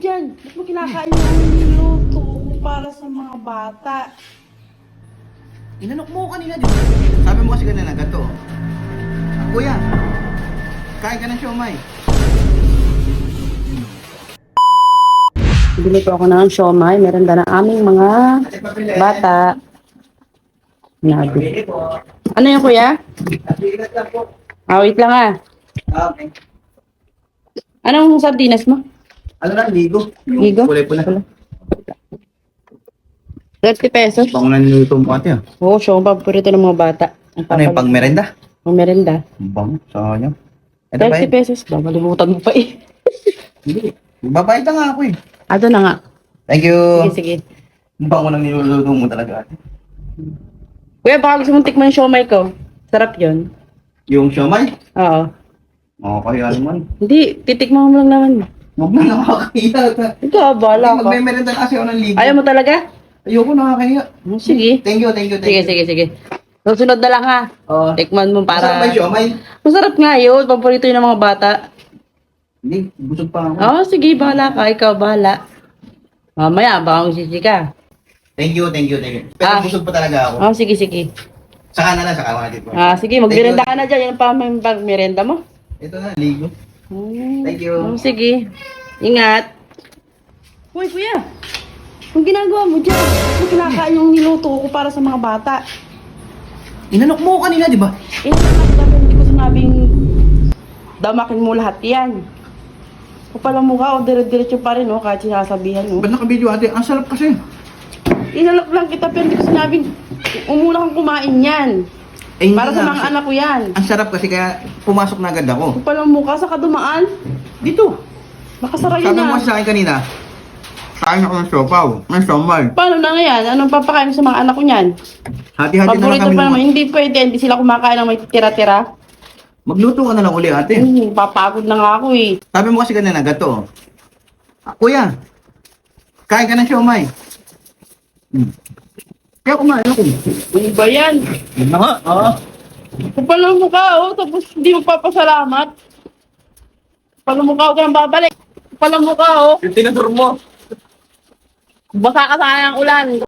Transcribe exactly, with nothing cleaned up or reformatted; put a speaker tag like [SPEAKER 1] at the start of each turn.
[SPEAKER 1] dyan? Ba't mo kinakain yung niluto ko para sa mga bata?
[SPEAKER 2] Inanok mo ko kanina, di ba? Sabi mo kasi kanina, gato. Kuya, kain ka ng siomay.
[SPEAKER 1] Bili po ako ng siomay. Meron na ng aming mga bata. Nabi. Ano yung kuya? Ah, wait lang ah.
[SPEAKER 2] Okay.
[SPEAKER 1] Anong sardinas mo?
[SPEAKER 2] Ano lang, ligo. Yung
[SPEAKER 1] Ligo?
[SPEAKER 2] kulay pula.
[SPEAKER 1] thirty pesos.
[SPEAKER 2] Bako na niluto mo ate ah.
[SPEAKER 1] Oo, siya ang paborito ng mga bata. Ang
[SPEAKER 2] Ano yung pang merenda?
[SPEAKER 1] Pang merenda.
[SPEAKER 2] Bang, sayang. Ito ba
[SPEAKER 1] thirty
[SPEAKER 2] yun?
[SPEAKER 1] pesos ba? Malimutan mo pa eh.
[SPEAKER 2] Hindi. Babayad na nga ako eh.
[SPEAKER 1] Ato na nga.
[SPEAKER 2] Thank you.
[SPEAKER 1] Sige, sige.
[SPEAKER 2] Bako na niluluto mo talaga ate.
[SPEAKER 1] Kuya, baka gusto mong tikman yung siomay ko. Sarap yun.
[SPEAKER 2] Yung siomay?
[SPEAKER 1] Oo.
[SPEAKER 2] Okay, ano man.
[SPEAKER 1] Hindi, titikman mo lang naman.
[SPEAKER 2] Huwag na nakakahiya.
[SPEAKER 1] Ikaw, bahala ka.
[SPEAKER 2] Magme-merenda kasi ako ng ligo.
[SPEAKER 1] Ayaw mo talaga?
[SPEAKER 2] Ayoko nakakahiya.
[SPEAKER 1] Oh, sige.
[SPEAKER 2] Thank you, thank you, thank
[SPEAKER 1] Sige,
[SPEAKER 2] you.
[SPEAKER 1] sige, sige. Susunod na lang ha.
[SPEAKER 2] Oo.
[SPEAKER 1] Tikman mo
[SPEAKER 2] Masarap ba
[SPEAKER 1] para...
[SPEAKER 2] yung siomay?
[SPEAKER 1] Masarap nga yun. Paborito yun ng mga bata.
[SPEAKER 2] Hindi, busog pa ako.
[SPEAKER 1] Oo, sige, bahala ka. Ikaw, bahala. Mamaya, baka magsisi ka.
[SPEAKER 2] Thank you, thank you, thank you. Pero
[SPEAKER 1] Ah.
[SPEAKER 2] busog pa talaga ako.
[SPEAKER 1] Oo, sige, sige.
[SPEAKER 2] Saka na lang, saka mga dito.
[SPEAKER 1] Ah, sige, magmerenda ka na dyan. Yan pa ang pag-merenda mo.
[SPEAKER 2] Ito na, ligo.
[SPEAKER 1] Hmm.
[SPEAKER 2] Thank you.
[SPEAKER 1] Oh, sige. Ingat. Uy, kuya. Ang ginagawa mo dyan? Ang kinakain yung niluto ko para sa mga bata.
[SPEAKER 2] Inanok mo ko kanina, di ba?
[SPEAKER 1] Eh, dapat hindi ko sinabing damakin mo lahat yan. Kapal ang mukha o dire-diretso pa rin, no? Kahit sinasabihan, no?
[SPEAKER 2] Ba't naka-video ate? Ang sarap kasi.
[SPEAKER 1] Inalok lang kita pero hindi ko sinabing umuna kang kumain yan.
[SPEAKER 2] Eh, hindi
[SPEAKER 1] Para sa
[SPEAKER 2] nga
[SPEAKER 1] mga
[SPEAKER 2] kasi.
[SPEAKER 1] anak ko yan.
[SPEAKER 2] Ang sarap kasi kaya pumasok na agad ako.
[SPEAKER 1] Kapal ang mukha, saka dumaan.
[SPEAKER 2] Dito.
[SPEAKER 1] Nakasara yun
[SPEAKER 2] Sabi mo
[SPEAKER 1] na.
[SPEAKER 2] kasi sa akin kanina, kain ako ng siopaw, ng siomay.
[SPEAKER 1] Paano na nga yan? Anong papakain mo sa mga anak ko niyan?
[SPEAKER 2] Hati-hati na lang
[SPEAKER 1] Paborito
[SPEAKER 2] kami.
[SPEAKER 1] pa naman.
[SPEAKER 2] ng-
[SPEAKER 1] Hindi pwede. Hindi sila kumakain ng may tira-tira.
[SPEAKER 2] Magluto ka na lang uli ate.
[SPEAKER 1] Hmm, papagod na nga ako eh.
[SPEAKER 2] Sabi mo kasi kanina, gato. Ah, kuya, kain ka ng siomay. Hmm. Kaya kumain ako.
[SPEAKER 1] Ano ba yan?
[SPEAKER 2] Yun na nga. Oo.
[SPEAKER 1] Kapal ang mukha, oh. Tapos hindi mo papasalamat. Kapal ang mukha, huwag kang babalik. Kapal ang mukha, oh.
[SPEAKER 2] Yung tinador mo.
[SPEAKER 1] Basa ka sa kanyang ulan.